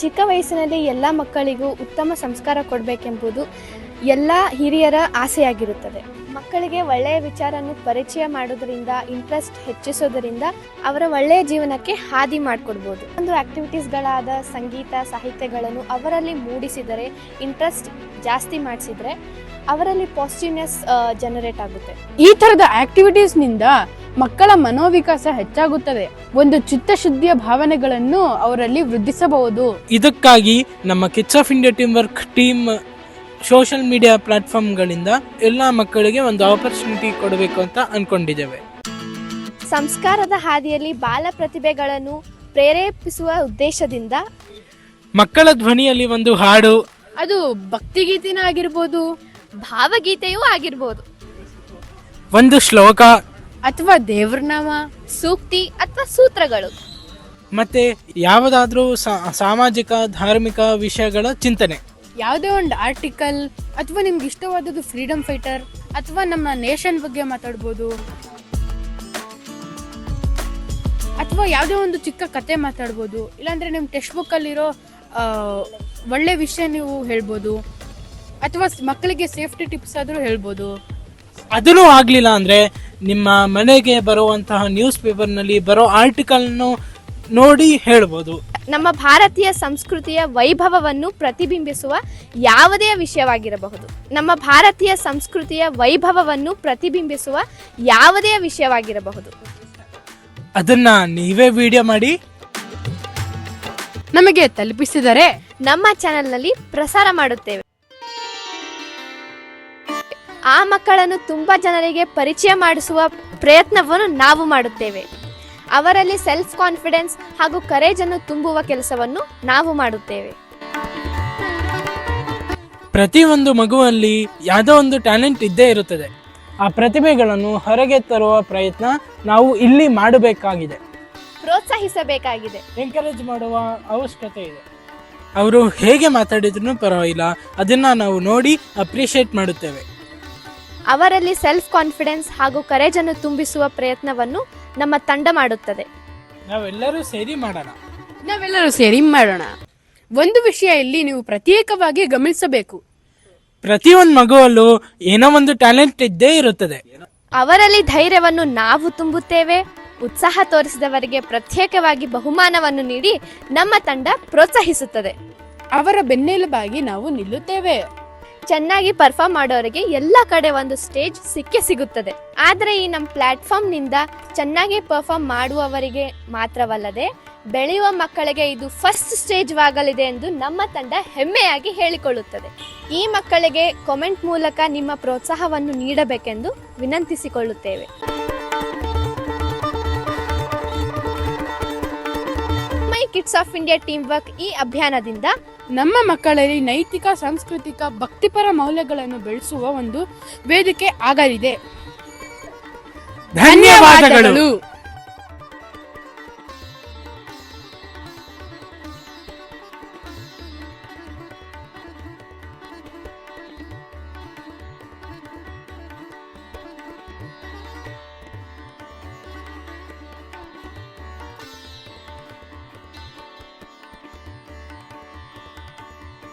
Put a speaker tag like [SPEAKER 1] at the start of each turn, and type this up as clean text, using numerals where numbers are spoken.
[SPEAKER 1] ಚಿಕ್ಕ ವಯಸ್ಸಿನಲ್ಲಿ ಎಲ್ಲ ಮಕ್ಕಳಿಗೂ ಉತ್ತಮ ಸಂಸ್ಕಾರ ಕೊಡಬೇಕೆಂಬುದು ಎಲ್ಲ ಹಿರಿಯರ ಆಸೆಯಾಗಿರುತ್ತದೆ. ಮಕ್ಕಳಿಗೆ ಒಳ್ಳೆಯ ವಿಚಾರವನ್ನು ಪರಿಚಯ ಮಾಡೋದರಿಂದ, ಇಂಟ್ರೆಸ್ಟ್ ಹೆಚ್ಚಿಸೋದರಿಂದ ಅವರ ಒಳ್ಳೆಯ ಜೀವನಕ್ಕೆ ಹಾದಿ ಮಾಡಿಕೊಡ್ಬೋದು. ಒಂದು ಆಕ್ಟಿವಿಟೀಸ್ಗಳಾದ ಸಂಗೀತ, ಸಾಹಿತ್ಯಗಳನ್ನು ಅವರಲ್ಲಿ ಮೂಡಿಸಿದರೆ, ಇಂಟ್ರೆಸ್ಟ್ ಜಾಸ್ತಿ ಮಾಡಿಸಿದರೆ ಅವರಲ್ಲಿ ಪಾಸಿಟಿವ್ನೆಸ್ ಜನರೇಟ್ ಆಗುತ್ತೆ.
[SPEAKER 2] ಈ ಥರದ ಆಕ್ಟಿವಿಟೀಸ್ನಿಂದ ಮಕ್ಕಳ ಮನೋವಿಕಾಸ ಹೆಚ್ಚಾಗುತ್ತದೆ. ಒಂದು ಚಿತ್ತಶುದ್ಧಿಯ ಭಾವನೆಗಳನ್ನು ಅವರಲ್ಲಿ ವೃದ್ಧಿಸಬಹುದು.
[SPEAKER 3] ಇದಕ್ಕಾಗಿ ನಮ್ಮ kids of India team work team social media ಪ್ಲಾಟ್ಫಾರ್ಮ್ಗಳಿಂದ ಎಲ್ಲ ಮಕ್ಕಳಿಗೆ ಒಂದು ಆಪರ್ಚುನಿಟಿ ಕೊಡಬೇಕು ಅಂತ ಅನ್ಕೊಂಡಿದ್ದೇವೆ.
[SPEAKER 1] ಸಂಸ್ಕಾರದ ಹಾದಿಯಲ್ಲಿ ಬಾಲ ಪ್ರತಿಭೆಗಳನ್ನು ಪ್ರೇರೇಪಿಸುವ ಉದ್ದೇಶದಿಂದ
[SPEAKER 3] ಮಕ್ಕಳ ಧ್ವನಿಯಲ್ಲಿ ಒಂದು ಹಾಡು,
[SPEAKER 2] ಅದು ಭಕ್ತಿಗೀತೆನ ಆಗಿರ್ಬೋದು,
[SPEAKER 1] ಭಾವಗೀತೆಯೂ ಆಗಿರ್ಬೋದು,
[SPEAKER 3] ಒಂದು ಶ್ಲೋಕ
[SPEAKER 2] ಅಥವಾ ದೇವ್ರನಾಮ,
[SPEAKER 1] ಸೂಕ್ತಿ ಅಥವಾ ಸೂತ್ರಗಳು,
[SPEAKER 3] ಮತ್ತೆ ಯಾವುದಾದ್ರೂ ಸಾಮಾಜಿಕ ಧಾರ್ಮಿಕ ವಿಷಯಗಳ ಚಿಂತನೆ,
[SPEAKER 2] ಯಾವುದೇ ಒಂದು ಆರ್ಟಿಕಲ್, ಅಥವಾ ನಿಮ್ಗೆ ಇಷ್ಟವಾದದ್ದು ಫ್ರೀಡಮ್ ಫೈಟರ್ ಅಥವಾ ನಮ್ಮ ನೇಷನ್ ಬಗ್ಗೆ ಮಾತಾಡ್ಬೋದು, ಅಥವಾ ಯಾವುದೇ ಒಂದು ಚಿಕ್ಕ ಕತೆ ಮಾತಾಡ್ಬೋದು, ಇಲ್ಲಾಂದ್ರೆ ನಿಮ್ಮ ಟೆಕ್ಸ್ಟ್ ಬುಕ್ಕಲ್ಲಿರೋ ಒಳ್ಳೆ ವಿಷಯ ನೀವು ಹೇಳ್ಬೋದು, ಅಥವಾ ಮಕ್ಕಳಿಗೆ ಸೇಫ್ಟಿ ಟಿಪ್ಸ್ ಆದರೂ ಹೇಳ್ಬೋದು.
[SPEAKER 3] ಅದೂ ಆಗಲಿಲ್ಲ ಅಂದರೆ ನಿಮ್ಮ ಮನೆಗೆ ಬರುವಂತಹ ನ್ಯೂಸ್ ಪೇಪರ್ನಲ್ಲಿ ಬರೋ ಆರ್ಟಿಕಲ್ನು ನೋಡಿ ಹೇಳ್ಬೋದು.
[SPEAKER 1] ನಮ್ಮ ಭಾರತೀಯ ಸಂಸ್ಕೃತಿಯ ವೈಭವವನ್ನು ಪ್ರತಿಬಿಂಬಿಸುವ ಯಾವುದೇ ವಿಷಯವಾಗಿರಬಹುದು. ನಮ್ಮ ಭಾರತೀಯ ಸಂಸ್ಕೃತಿಯ ವೈಭವವನ್ನು ಪ್ರತಿಬಿಂಬಿಸುವ ಯಾವುದೇ ವಿಷಯವಾಗಿರಬಹುದು.
[SPEAKER 3] ಅದನ್ನ ನೀವೇ ವಿಡಿಯೋ ಮಾಡಿ
[SPEAKER 2] ನಮಗೆ ತಲುಪಿಸಿದರೆ
[SPEAKER 1] ನಮ್ಮ ಚಾನೆಲ್ನಲ್ಲಿ ಪ್ರಸಾರ ಮಾಡುತ್ತೇವೆ. ಆ ಮಕ್ಕಳನ್ನು ತುಂಬಾ ಜನರಿಗೆ ಪರಿಚಯ ಮಾಡಿಸುವ ಪ್ರಯತ್ನವನ್ನು ನಾವು ಮಾಡುತ್ತೇವೆ. ಅವರಲ್ಲಿ ಸೆಲ್ಫ್ ಕಾನ್ಫಿಡೆನ್ಸ್ ಹಾಗೂ ಕರೇಜ್ ಅನ್ನು ತುಂಬುವ ಕೆಲಸವನ್ನು ನಾವು ಮಾಡುತ್ತೇವೆ.
[SPEAKER 3] ಪ್ರತಿಯೊಂದು ಮಗುವಲ್ಲಿ ಯಾವುದೋ ಒಂದು ಟ್ಯಾಲೆಂಟ್ ಇದ್ದೇ ಇರುತ್ತದೆ. ಆ ಪ್ರತಿಭೆಗಳನ್ನು ಹೊರಗೆ ತರುವ ಪ್ರಯತ್ನ ನಾವು ಇಲ್ಲಿ ಮಾಡಬೇಕಾಗಿದೆ,
[SPEAKER 1] ಪ್ರೋತ್ಸಾಹಿಸಬೇಕಾಗಿದೆ,
[SPEAKER 3] ಎಂಕರೇಜ್ ಮಾಡುವ ಅವಶ್ಯಕತೆ ಇದೆ. ಅವರು ಹೇಗೆ ಮಾತಾಡಿದ್ರು ಪರವಾಗಿಲ್ಲ, ಅದನ್ನ ನಾವು ನೋಡಿ ಅಪ್ರಿಷಿಯೇಟ್ ಮಾಡುತ್ತೇವೆ.
[SPEAKER 1] ಅವರಲ್ಲಿ ಸೆಲ್ಫ್ ಕಾನ್ಫಿಡೆನ್ಸ್ ಹಾಗೂ ಕರೇಜ್ ಅನ್ನು ತುಂಬಿಸುವ ಪ್ರಯತ್ನವನ್ನು ನಮ್ಮ ತಂಡ ಮಾಡುತ್ತದೆ.
[SPEAKER 3] ನಾವೆಲ್ಲರೂ ಸೇರಿ ಮಾಡೋಣ.
[SPEAKER 2] ಒಂದು ವಿಷಯ ಇಲ್ಲಿ ನೀವು ಪ್ರತ್ಯೇಕವಾಗಿ ಗಮನಿಸಬೇಕು.
[SPEAKER 3] ಪ್ರತಿಯೊಂದು ಮಗುವಲ್ಲೂ ಏನೋ ಒಂದು ಟ್ಯಾಲೆಂಟ್ ಇದ್ದೇ ಇರುತ್ತದೆ.
[SPEAKER 1] ಅವರಲ್ಲಿ ಧೈರ್ಯವನ್ನು ನಾವು ತುಂಬುತ್ತೇವೆ. ಉತ್ಸಾಹ ತೋರಿಸಿದವರಿಗೆ ಪ್ರತ್ಯೇಕವಾಗಿ ಬಹುಮಾನವನ್ನು ನೀಡಿ ನಮ್ಮ ತಂಡ ಪ್ರೋತ್ಸಾಹಿಸುತ್ತದೆ.
[SPEAKER 2] ಅವರ ಬೆನ್ನೆಲುಬಾಗಿ ನಾವು ನಿಲ್ಲುತ್ತೇವೆ.
[SPEAKER 1] ಚೆನ್ನಾಗಿ ಪರ್ಫಾರ್ಮ್ ಮಾಡೋರಿಗೆ ಎಲ್ಲ ಕಡೆ ಒಂದು ಸ್ಟೇಜ್ ಸಿಗುತ್ತದೆ. ಆದರೆ ಈ ನಮ್ಮ ಪ್ಲಾಟ್ಫಾರ್ಮ್ನಿಂದ ಚೆನ್ನಾಗಿ ಪರ್ಫಾರ್ಮ್ ಮಾಡುವವರಿಗೆ ಮಾತ್ರವಲ್ಲದೆ ಬೆಳೆಯುವ ಮಕ್ಕಳಿಗೆ ಇದು ಫಸ್ಟ್ ಸ್ಟೇಜ್ ಆಗಲಿದೆ ಎಂದು ನಮ್ಮ ತಂಡ ಹೆಮ್ಮೆಯಾಗಿ ಹೇಳಿಕೊಳ್ಳುತ್ತದೆ. ಈ ಮಕ್ಕಳಿಗೆ ಕಾಮೆಂಟ್ ಮೂಲಕ ನಿಮ್ಮ ಪ್ರೋತ್ಸಾಹವನ್ನು ನೀಡಬೇಕೆಂದು ವಿನಂತಿಸಿಕೊಳ್ಳುತ್ತೇವೆ. My kids of India team work ಈ ಅಭಿಯಾನದಿಂದ
[SPEAKER 2] ನಮ್ಮ ಮಕ್ಕಳಲ್ಲಿ ನೈತಿಕ, ಸಾಂಸ್ಕೃತಿಕ, ಭಕ್ತಿಪರ ಮೌಲ್ಯಗಳನ್ನು ಬೆಳೆಸುವ ಒಂದು ವೇದಿಕೆ ಆಗಲಿದೆ.
[SPEAKER 3] ಧನ್ಯವಾದಗಳು.